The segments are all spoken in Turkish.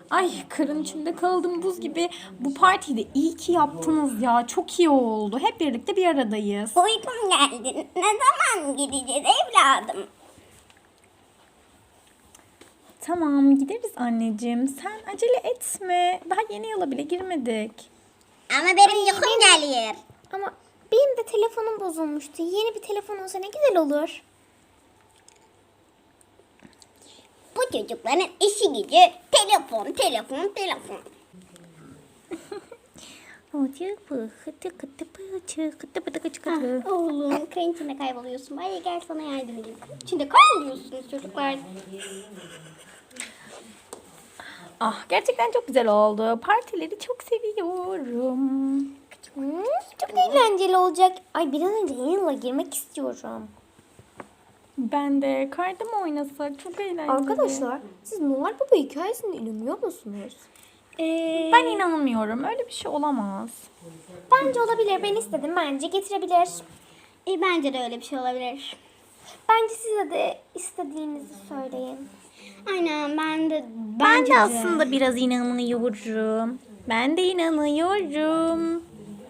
Ay karın içinde kaldım buz gibi. Bu partiyi de iyi ki yaptınız ya. Çok iyi oldu. Hep birlikte bir aradayız. Uykum geldi. Ne zaman gideceğiz evladım? Tamam gideriz anneciğim. Sen acele etme. Daha yeni yıla bile girmedik. Ama benim uykum geliyor. Ama benim de telefonum bozulmuştu. Yeni bir telefon olsa ne güzel olur. Bu çocukların işi gücü telefon, telefon, telefon. Oğlum kayın içinde kayboluyorsun. Bari gel sana yardım edeyim. İçinde kayboluyorsunuz çocuklar. Ah gerçekten çok güzel oldu. Partileri çok seviyorum. Çok eğlenceli olacak. Ay bir an önce yeni yıla girmek istiyorum. Ben de karda mı oynasak? Çok eğlenceli. Arkadaşlar siz Noel Baba hikayesine inanıyor musunuz? Ben inanmıyorum. Öyle bir şey olamaz. Bence olabilir. Ben istedim. Bence getirebilir. Bence de öyle bir şey olabilir. Bence size de istediğinizi söyleyin. Aynen ben de Ben de aslında biraz inanıyorum. Ben de inanıyorum.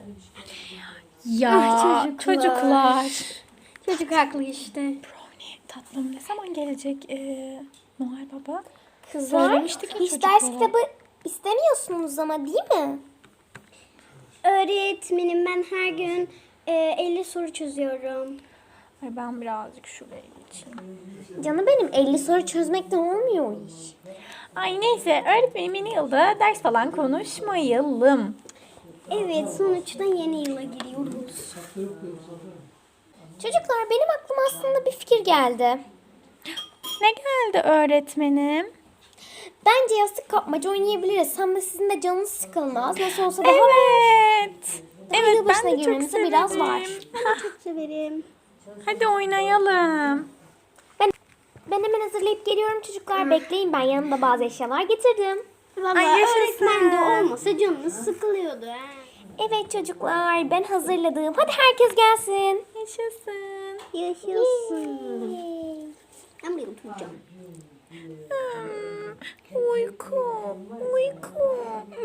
Ya çocuklar. Çocuk haklı işte. Brownie tatlım ne zaman gelecek Noel Baba? Kızlar Söylemiştik ya hiç çocuklara. ders kitabı istemiyorsunuz ama değil mi? Öğretmenim ben her gün 50 soru çözüyorum. Ay ben birazcık şuraya geçeyim. Canım benim 50 soru çözmekten olmuyor o iş. Ay neyse öğretmenim yeni yılda ders falan konuşmayalım. Evet sonuçta yeni yıla giriyoruz. Çocuklar benim aklıma aslında bir fikir geldi. Ne geldi öğretmenim? Bence yastık kapmaca oynayabiliriz. Hem de sizin de canınız sıkılmaz. Nasıl olsa daha Evet. Evet yılbaşına ben de çok girmemize severim. biraz var. Çok severim. Hadi oynayalım. Ben hemen hazırlayıp geliyorum çocuklar. Bekleyin ben yanımda bazı eşyalar getirdim. Valla Ay, yaşasın. öğretmen de olmasa canınız sıkılıyordu. Ha. Evet çocuklar ben hazırladım. Hadi herkes gelsin. Yaşasın. Yaşasın. Ben buraya oturacağım. Uyku. Uyku.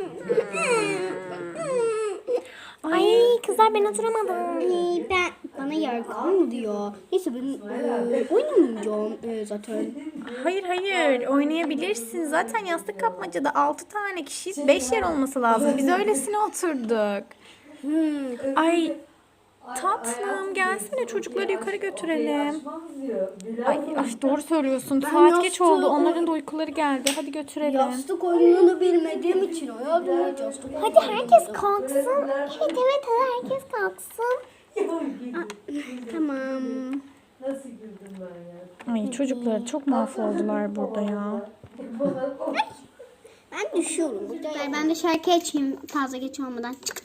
Ay kızlar ben oturamadım. Ben bana yer kalmadı diyor. Neyse ben oynamayacağım zaten. Hayır oynayabilirsin. Zaten yastık kapmacada 6 tane kişiyiz. 5 yer olması lazım. Biz öylesine oturduk. Ay tatlım gelsene çocukları yukarı götürelim. Ay doğru söylüyorsun. Saat geç oldu. Onların da uykuları geldi. Hadi götürelim. Yastık oyununu bilmediğim için hayatımda hiç yastık Hadi herkes kalksın. Evet hadi herkes kalksın. Tamam. Nasıl güldüm ben ya? Ay çocuklar çok mahvoldular burada ya. Ben düşüyorum. Ben de şarkı açayım fazla geç olmadan. Çık.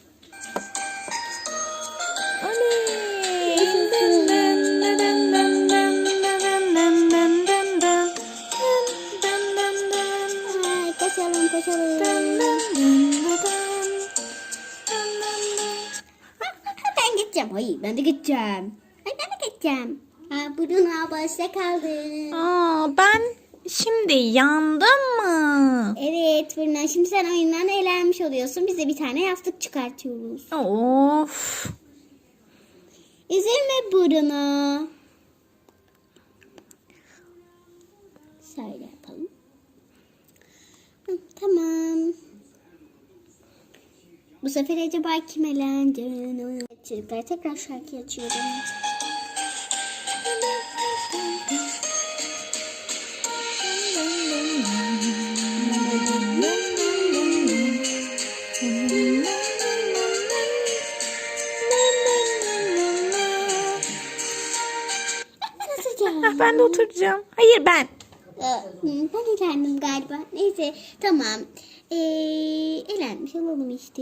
Ay, koşalım koşalım. Ben gideceğim. Hayır ben de gideceğim. Ay ben de gideceğim. Bruno başta kaldı. Ben şimdi yandım mı? Evet Bruno şimdi sen oyundan eğlenmiş oluyorsun. Biz de bir tane yastık çıkartıyoruz. Of. Üzülme Bruno. Şöyle yapalım. Tamam. Bu sefer acaba kim elendi? Çocuklar tekrar şarkı açıyorum. Ben de oturacağım. Hayır ben. Ben elendim galiba. Neyse tamam. Elenmiş olalım işte.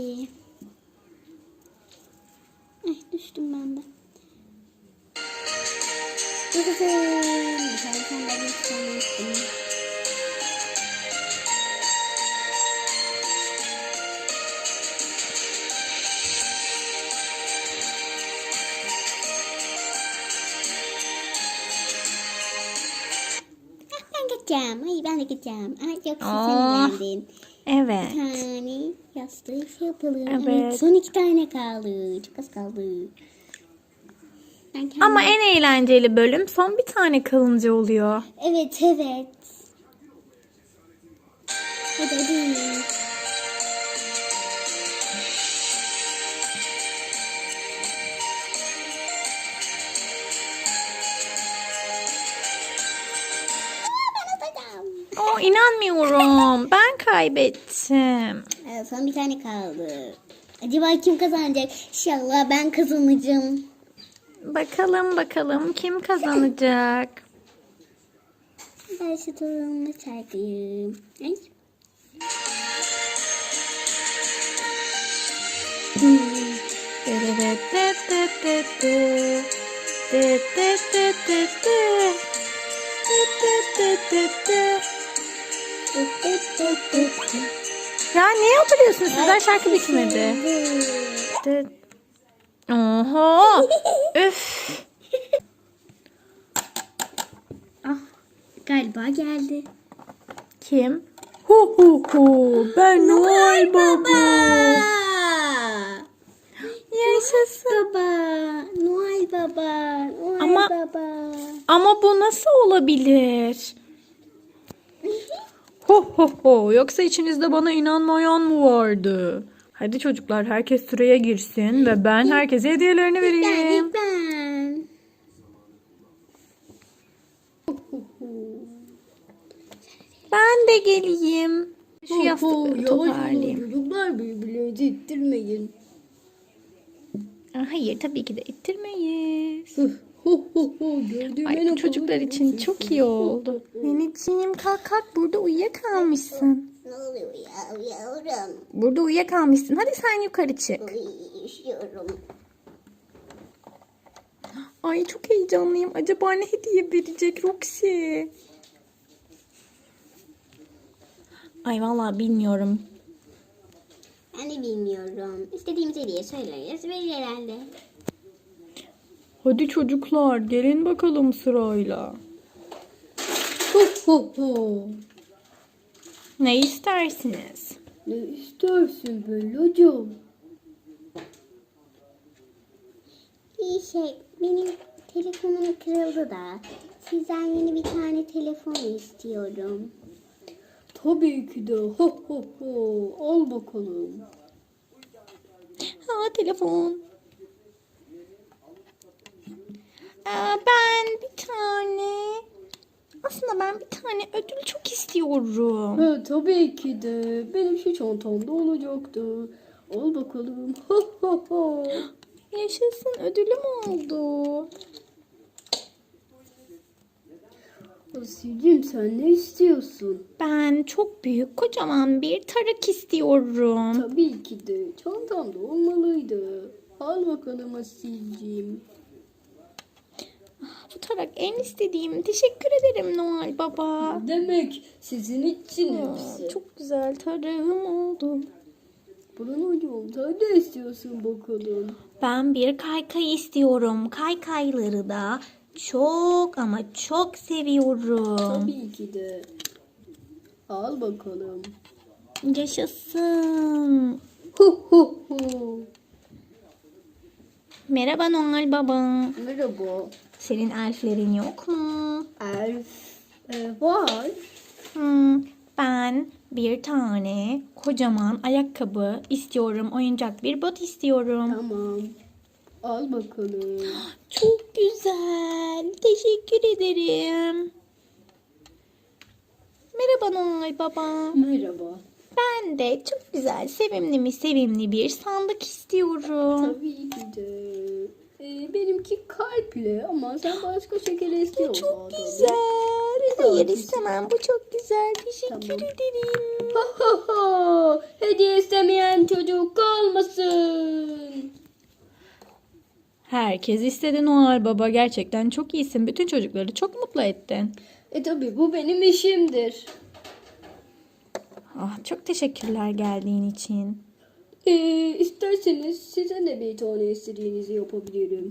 Ay düştüm ben de. Yaşasın. Dışarı sandalye istemiştim. Ben gideceğim. Ay ben de gideceğim. Ay çok sen Aa. eğlendin. Evet. Bir tane yastığı şey yapalım. Evet. Son 2 tane kaldı. Çok az kaldı. Ben kendim... Ama en eğlenceli bölüm son bir tane kalınca oluyor. Evet. Hadi. Oh, inanmıyorum. Ben kaybettim. Son bir tane kaldı. Acaba kim kazanacak? İnşallah ben kazanacağım. Bakalım kim kazanacak? Ben şu torunumu çarpayım. Ay. Ya niye oturuyorsunuz? Sizden şarkı bitmedi. Oho. Üf. Galiba geldi. Kim? Hu. Ben Noel Baba. Yaşasın. Baba. Noel Baba. Noel Ama- Baba. Ama bu nasıl olabilir? Yoksa içinizde bana inanmayan mı vardı? Hadi çocuklar, herkes sıraya girsin ve ben herkese hediyelerini vereyim. Ben. Ben de geleyim. Şu yastıkları toparlayayım. Çocuklar birbirlerinizi ittirmeyin. Hayır, tabii ki de ittirmeyiz. Gördüğüm Ay, bu çocuklar için çok iyi oldu. Neneciğim kalk burada uyuyakalmışsın. Ne oluyor ya yavrum? Burada uyuyakalmışsın. Hadi sen yukarı çık. Üşüyorum. Ay çok heyecanlıyım. Acaba ne hediye verecek Roxy? Ay vallahi bilmiyorum. Ben de bilmiyorum. İstediğimiz hediye söyleriz verir herhalde. Hadi çocuklar gelin bakalım sırayla. Ne istersiniz? Ne istersin Bellacığım? Benim telefonum kırıldı da sizden yeni bir tane telefon istiyorum. Tabii ki de. Al bakalım. Telefon. Ben bir tane ödül çok istiyorum. Tabii ki de. Benim şu çantamda olacaktı. Al bakalım. Yaşasın, ödülüm oldu. Asilciğim sen ne istiyorsun? Ben çok büyük, kocaman bir tarak istiyorum. Tabii ki de. Çantamda olmalıydı. Al bakalım Asilciğim. Bu tarak en istediğim. Teşekkür ederim Noel Baba. Demek sizin için hepsi. Çok güzel tarağım oldu. Bruno'cum sen ne istiyorsun bakalım? Ben bir kaykay istiyorum. Kaykayları da çok ama çok seviyorum. Tabii ki de. Al bakalım. Yaşasın. Merhaba Noel Baba. Merhaba. Senin elflerin yok mu? Elf var. Ben bir tane kocaman ayakkabı istiyorum. Oyuncak bir bot istiyorum. Tamam. Al bakalım. Çok güzel. Teşekkür ederim. Merhaba Noel Baba. Merhaba. Ben de çok güzel, sevimli bir sandık istiyorum. Tabii ki de. Benimki kalple ama sen başka şeker istiyorsun. Çok güzel. Hayır istemem. Bu çok güzel. Teşekkür Tamam. ederim. Hediye istemeyen çocuk kalmasın. Herkes istedi Noel Baba. Gerçekten çok iyisin. Bütün çocukları çok mutlu ettin. Tabii bu benim işimdir. Çok teşekkürler geldiğin için. İsterseniz size de bir tane istediğinizi yapabilirim.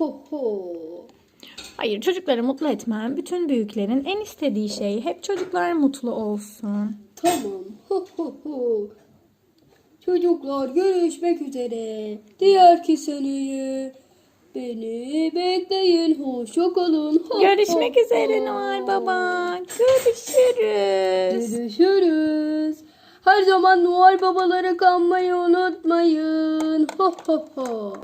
Hayır, çocukları mutlu etmem. Bütün büyüklerin en istediği şey hep çocuklar mutlu olsun. Tamam. Ho ho ho. Çocuklar görüşmek üzere. Diğer seneye beni bekleyin. Hoşça kalın. Ho, Görüşmek ho, üzere ho. Noel Baba. Görüşürüz. Görüşürüz. Her zaman Noel babaları kanmayı unutmayın. Ho ho ho.